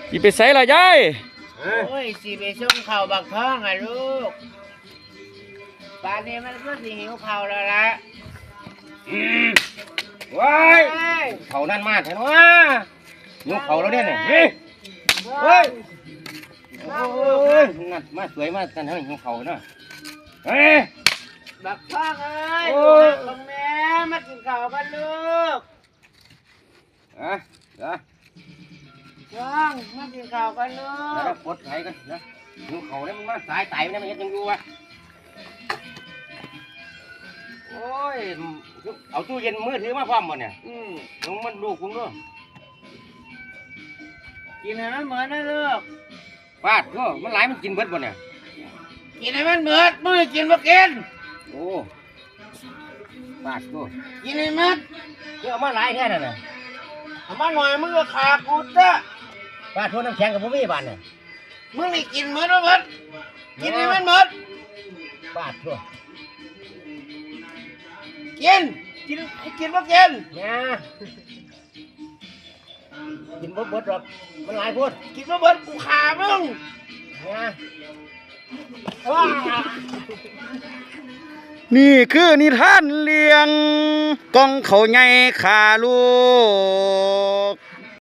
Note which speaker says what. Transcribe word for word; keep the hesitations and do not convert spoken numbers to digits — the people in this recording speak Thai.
Speaker 1: สิไปใส่ละยาย
Speaker 2: โอ้ยสิไปส่งข้าวบักท้องอ่ะลูกป่านนี้มันก็สิหิวข้าวแล้วล่ะ
Speaker 3: ว้ายเขานั่นมาเถอะวะยกเขาแล้วเนี่ยเฮ้ยเฮ้ยโอ้ยนั่นมาสวยมากันเฮ้ยยกเขาเนาะเฮ้ย
Speaker 2: บักท้องเอ้ยลูกของแม่มากินข้าวกันลูก
Speaker 3: อ่ะอ่ะ
Speaker 2: ท้องมากินข้าวกันลูก
Speaker 3: ปลดไถกันนะยกเขาเนี่ยมันมาสายไต่เนี่ยมันยังอยู่วะโอ้ยเอาตู้เย็นมือถือมาพร้อมหมดเนี่ยอืมลงมันลูกคุณด้วย
Speaker 2: กินให้มันเหมือนนะลูก
Speaker 3: ฟาดก็มันหลายมันกินเบิดบ่เนี่ย
Speaker 2: กินให้มันเหมือนมือกินบ่กิน
Speaker 3: โอ้ฟาดก็
Speaker 2: กินให้มัน
Speaker 3: ก็เอามาหลายแค่นั้นน่ะ
Speaker 2: เอามาหน่อยมึงก็ขากูจ้ะ
Speaker 3: ฟาดทั่วน้ำแข็งกับพวกพี่บ้านเนี่ย
Speaker 2: มึงนี่กินเหมือนบ่เหมือนกินให้มันเหมือน
Speaker 3: ฟาดทั่ว
Speaker 2: กินกินกินบ่กิน
Speaker 3: เนี่ยกินบ่เบิดหรอกมันหลายพูด
Speaker 2: กินบ่เบิดกูขามึง
Speaker 3: เนี่ย
Speaker 1: นี่คือนิทานเลี้ยงกองเขาใหญ่ขาลูก